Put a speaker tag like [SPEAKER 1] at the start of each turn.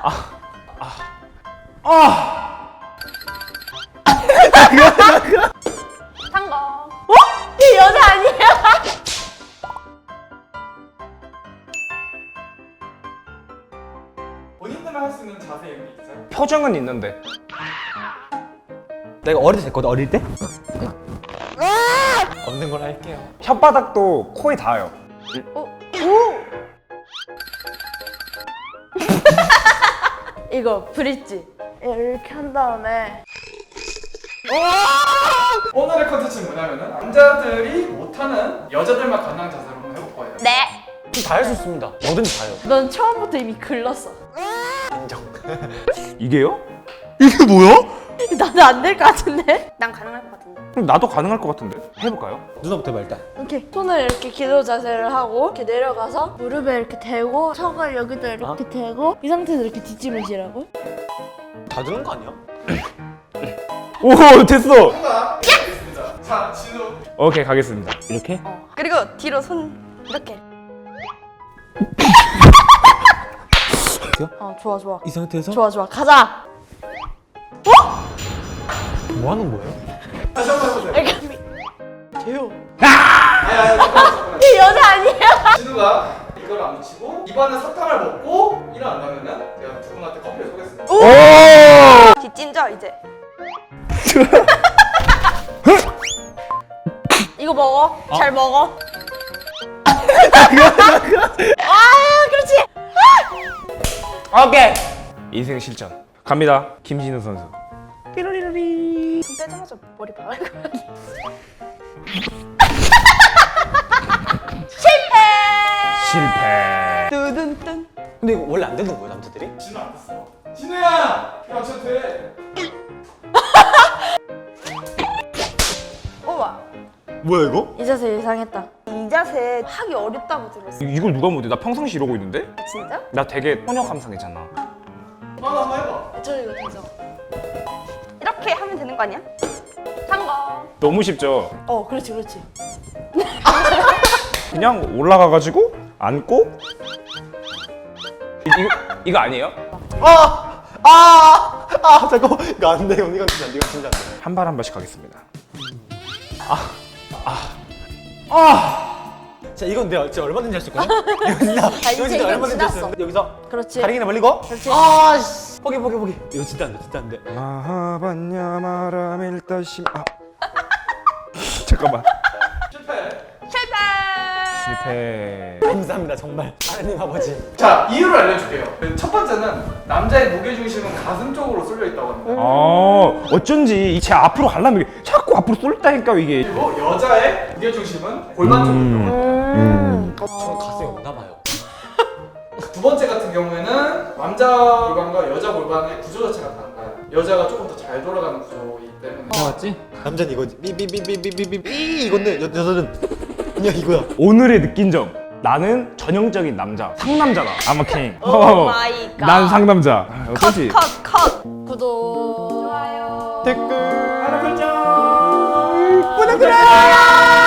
[SPEAKER 1] 성공. 어? 이 여자 아니야?
[SPEAKER 2] 본인들만 할 수 있는 자세 이런 게 있어요?
[SPEAKER 3] 표정은 있는데.
[SPEAKER 4] 내가 어릴 때 됐거든. 어릴 때? 없는 걸 할게요.
[SPEAKER 3] 혓바닥도 코에 닿아요.
[SPEAKER 1] 이거 브릿지. 이렇게 한 다음에
[SPEAKER 2] 오늘의 컨텐츠는 뭐냐면은 남자들이 못하는 여자들만 가능한 자세로 한번 해볼 거예요.
[SPEAKER 1] 네.
[SPEAKER 4] 다 할 수 있습니다. 뭐든지 다요.
[SPEAKER 1] 넌 처음부터 이미 글렀어.
[SPEAKER 4] 인정.
[SPEAKER 3] 이게요?
[SPEAKER 4] 이게 뭐야?
[SPEAKER 1] 나도 안 될 것 같은데? 난 가능할 것 같은데.
[SPEAKER 3] 그럼 나도 가능할 것 같은데. 해볼까요?
[SPEAKER 4] 누나부터 해봐 일단.
[SPEAKER 1] 이렇게 손을 이렇게 기도 자세를 하고 이렇게 내려가서 무릎에 이렇게 대고 척을 여기다 이렇게 대고 이 상태에서 이렇게 뒷짐을
[SPEAKER 4] 다 드는 거 아니야?
[SPEAKER 3] 오 됐어.
[SPEAKER 2] 정답 알겠습니다. 자, 진우.
[SPEAKER 3] 오케이 가겠습니다.
[SPEAKER 4] 이렇게?
[SPEAKER 1] 그리고 뒤로 손 이렇게. 좋아 좋아
[SPEAKER 4] 이 상태에서?
[SPEAKER 1] 좋아 가자.
[SPEAKER 4] 뭐 하는 거예요?
[SPEAKER 2] 다시 한번 해보세요.
[SPEAKER 1] 이렇게 재요.
[SPEAKER 2] 아니, 잠깐만.
[SPEAKER 1] 이 여자 아니야?
[SPEAKER 2] 진우가 이걸 안 붙이고 입안에 사탕을 먹고 일어난다면은 제가 두 분한테 커피를 쏘겠습니다.
[SPEAKER 3] 오.
[SPEAKER 1] 뒷짐져 이제. 이거 먹어. 잘 먹어. 그렇지.
[SPEAKER 3] 오케이. 인생 실전. 갑니다. 김진우 선수. 삐로리로리.
[SPEAKER 1] 손 떼자마자 머리 박을 거야.
[SPEAKER 3] 실패.
[SPEAKER 1] 뚜둔뚠.
[SPEAKER 4] 근데 이거 원래 안 되는 거예요 남자들이?
[SPEAKER 2] 진우 안 됐어. 진우야! 야, 저 돼.
[SPEAKER 1] 우와.
[SPEAKER 4] 뭐야 이거?
[SPEAKER 1] 이 자세 예상했다. 이 자세 하기 어렵다고 들었어.
[SPEAKER 3] 이걸 누가 못해? 나 평상시 이러고 있는데?
[SPEAKER 1] 진짜?
[SPEAKER 3] 나 되게 소녀 감상이잖아.
[SPEAKER 2] 한번 해봐.
[SPEAKER 1] 저 이거 되죠? 이렇게 하면 되는 거 아니야? 성공.
[SPEAKER 3] 너무 쉽죠?
[SPEAKER 1] 그렇지.
[SPEAKER 3] 그냥 올라가가지고 앉고 이거 아니에요?
[SPEAKER 4] 잠깐만 이거 안 돼. 이건 진짜 안 돼. 이건 진짜 안 돼.
[SPEAKER 3] 한 발 한 발씩 가겠습니다.
[SPEAKER 4] 자 이건 내가 진짜 얼마든지 할 수 있거든? 이거 진짜 이거
[SPEAKER 1] 이제
[SPEAKER 4] 진짜
[SPEAKER 1] 이건
[SPEAKER 4] 얼마든지 할 수
[SPEAKER 1] 지났어.
[SPEAKER 4] 있는데 여기서
[SPEAKER 1] 그렇지.
[SPEAKER 4] 다리기나 벌리고
[SPEAKER 1] 그렇지.
[SPEAKER 4] 아씨 포기 이거 진짜 안 돼. 진짜 안 돼.
[SPEAKER 3] 마하반야 마라밀다심 잠깐만.
[SPEAKER 1] 실패.
[SPEAKER 3] 실패.
[SPEAKER 4] 감사합니다 정말 하나님 아버지.
[SPEAKER 2] 자, 이유를 알려줄게요. 첫 번째는 남자의 무게중심은 가슴 쪽으로 쏠려 있다고 합니다.
[SPEAKER 3] 어쩐지 제 앞으로 가려면 이게 자꾸 앞으로 쏠다니까 이게.
[SPEAKER 2] 그리고 여자의 무게중심은 골반 쪽으로 있다고 합니다.
[SPEAKER 4] 저는 가슴이 없나 봐요.
[SPEAKER 2] 두 번째 같은 경우에는 남자 골반과 여자 골반의 구조 자체가 달라요. 여자가 조금 더 잘 돌아가는 구조이기 때문에
[SPEAKER 4] 맞지? 남자는 이거지. 삐삐삐삐삐삐삐 이건데 여자는 그냥 이거야.
[SPEAKER 3] 오늘의 느낀 점. 나는 전형적인 남자. 상남자다. I'm a king.
[SPEAKER 1] 오 마이 갓.
[SPEAKER 3] 난 상남자. 어떠지?
[SPEAKER 1] 컷. 구독. 좋아요.
[SPEAKER 4] 댓글
[SPEAKER 2] 하나 설정.
[SPEAKER 4] 구독 눌러.